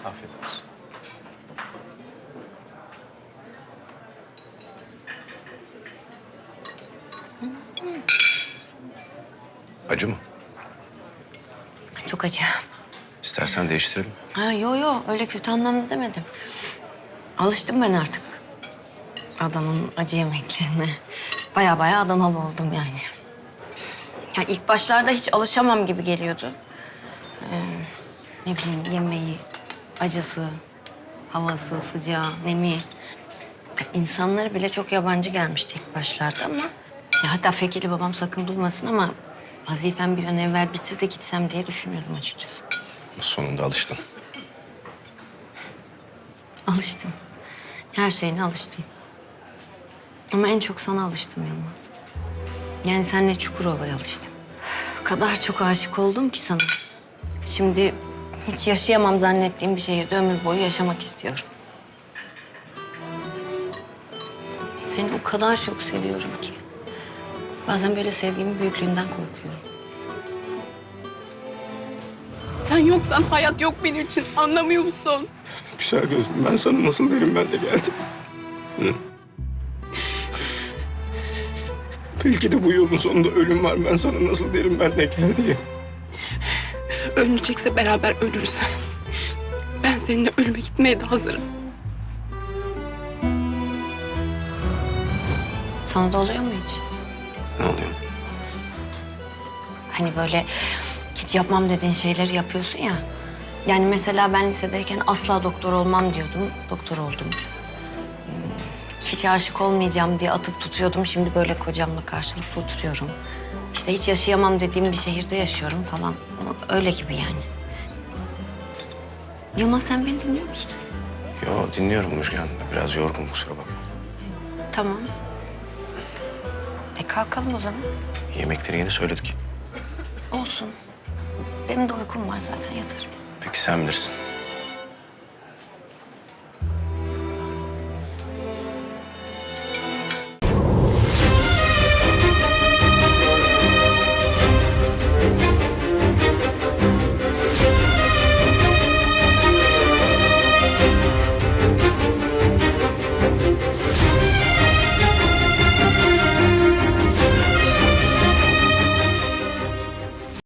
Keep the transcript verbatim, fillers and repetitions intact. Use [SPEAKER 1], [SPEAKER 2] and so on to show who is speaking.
[SPEAKER 1] Afiyet olsun. Acı mı?
[SPEAKER 2] Çok acı.
[SPEAKER 1] İstersen değiştirelim.
[SPEAKER 2] Ha, yo yo öyle kötü anlamda demedim. Alıştım ben artık Adana'nın acı yemeklerine. Baya baya Adanalı oldum yani. Ya ilk başlarda hiç alışamam gibi geliyordu. Ee, ne bileyim yemeği, acısı, havası, sıcağı, nemi. Ya İnsanları bile çok yabancı gelmişti ilk başlarda ama... Ya hatta Fekeli babam sakın duymasın ama... vazifem bir an evvel bitse de gitsem diye düşünüyordum açıkçası.
[SPEAKER 1] Sonunda alıştın.
[SPEAKER 2] Alıştım. Her şeyine alıştım. Ama en çok sana alıştım Yılmaz. Yani seninle Çukurova'ya alıştım. O kadar çok aşık oldum ki sana. Şimdi hiç yaşayamam zannettiğim bir şehirde ömür boyu yaşamak istiyorum. Seni o kadar çok seviyorum ki. Bazen böyle sevgimin büyüklüğünden korkuyorum.
[SPEAKER 3] Sen yoksan hayat yok benim için. Anlamıyor musun?
[SPEAKER 1] Güzel gözlüm, ben sana nasıl derim ben de geldim. Hı? Belki de bu yolun sonunda ölüm var. Ben sana nasıl derim ben de gel diye.
[SPEAKER 3] Ölünecekse beraber ölürüz. Ben seninle ölüme gitmeye de hazırım.
[SPEAKER 2] Sana da oluyor mu hiç?
[SPEAKER 1] Ne oluyor?
[SPEAKER 2] Hani böyle hiç yapmam dediğin şeyleri yapıyorsun ya. Yani mesela ben lisedeyken asla doktor olmam diyordum. Doktor oldum. Hmm, Hiç aşık olmayacağım diye atıp tutuyordum. Şimdi böyle kocamla karşılıklı oturuyorum. İşte hiç yaşayamam dediğim bir şehirde yaşıyorum falan. Öyle gibi yani. Yılmaz sen beni dinliyor musun?
[SPEAKER 1] Yo, dinliyorum Müjgan. Biraz yorgun, kusura bakma.
[SPEAKER 2] Tamam. E kalkalım o zaman.
[SPEAKER 1] Yemekleri yeni söyledik.
[SPEAKER 2] Olsun. Benim de uykum var zaten yatarım.
[SPEAKER 1] Peki sen bilirsin.